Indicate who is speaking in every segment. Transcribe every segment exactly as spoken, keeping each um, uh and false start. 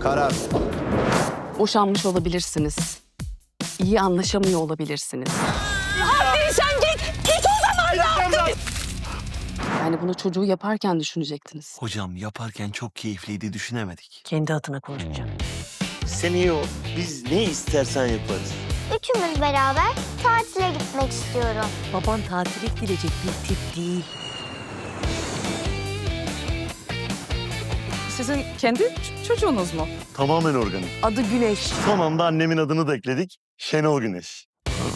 Speaker 1: Karar.
Speaker 2: Boşanmış olabilirsiniz. İyi anlaşamıyor olabilirsiniz.
Speaker 3: Hadi sen git. Git o zaman ya.
Speaker 2: Yani bunu çocuğu yaparken düşünecektiniz.
Speaker 4: Hocam yaparken çok keyifliydi, düşünemedik.
Speaker 3: Kendi adına konuşacağım.
Speaker 4: Sen iyi ol. Biz ne istersen yaparız.
Speaker 5: Üçümüz beraber tatile gitmek istiyorum.
Speaker 3: Baban tatile gidecek bir tip değil.
Speaker 6: Sizin kendi ç- çocuğunuz mu?
Speaker 4: Tamamen organik.
Speaker 3: Adı Güneş.
Speaker 4: Son anda annemin adını da ekledik. Şenol Güneş.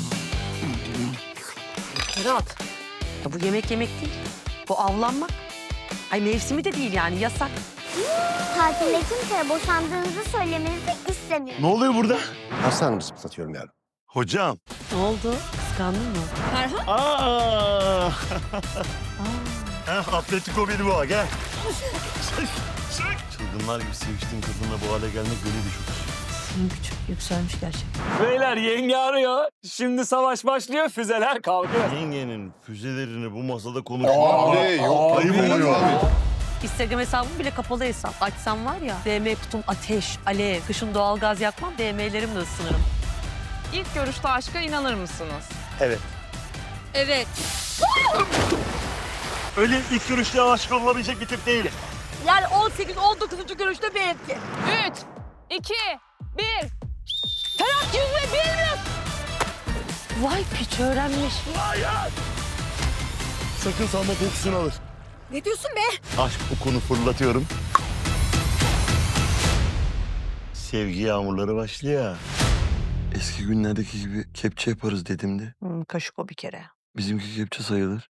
Speaker 3: Ferhat. Ya bu yemek yemek değil. Bu avlanmak. Ay mevsimi de değil yani yasak.
Speaker 5: Tatilde kimseye boşandığınızı söylemenizi istemiyorum.
Speaker 4: Ne oluyor burada?
Speaker 1: Aslanımı zıplatıyorum yani.
Speaker 4: Hocam.
Speaker 3: Ne oldu? Kıskandın mı?
Speaker 4: Aa. Heh, Atletico Bilbao gel. Çılgınlar gibi seviştiğim kadınla bu hale gelmek beni de çok üzüyor.
Speaker 3: Senin küçük yükselmiş gerçekten.
Speaker 7: Beyler yenge arıyor. Şimdi savaş başlıyor, füzeler kalkıyor.
Speaker 4: Yengenin füzelerini bu masada konuşmak.
Speaker 1: yok.
Speaker 4: Ayıp oluyor.
Speaker 3: Instagram hesabım bile kapalı hesap. Açsam var ya, D M kutum ateş, alev. Kışın doğalgaz yakmam, D M'lerimle ısınırım.
Speaker 6: İlk görüşte aşka inanır mısınız?
Speaker 4: Evet.
Speaker 6: Evet.
Speaker 4: Öyle ilk görüşte aşık olabilecek bir tip değilim.
Speaker 3: Yani on sekiz on dokuzuncu görüşte benimki.
Speaker 6: Üç, iki, bir.
Speaker 3: Ferhat yüzme bilmiyor. Vay piç öğrenmiş.
Speaker 4: Sakın salma kokusunu alır.
Speaker 3: Ne diyorsun be?
Speaker 4: Aşk kokunu fırlatıyorum. Sevgi yağmurları başlıyor. Eski günlerdeki gibi kepçe yaparız dedim de.
Speaker 3: Hmm, kaşık o bir kere.
Speaker 4: Bizimki kepçe sayılır.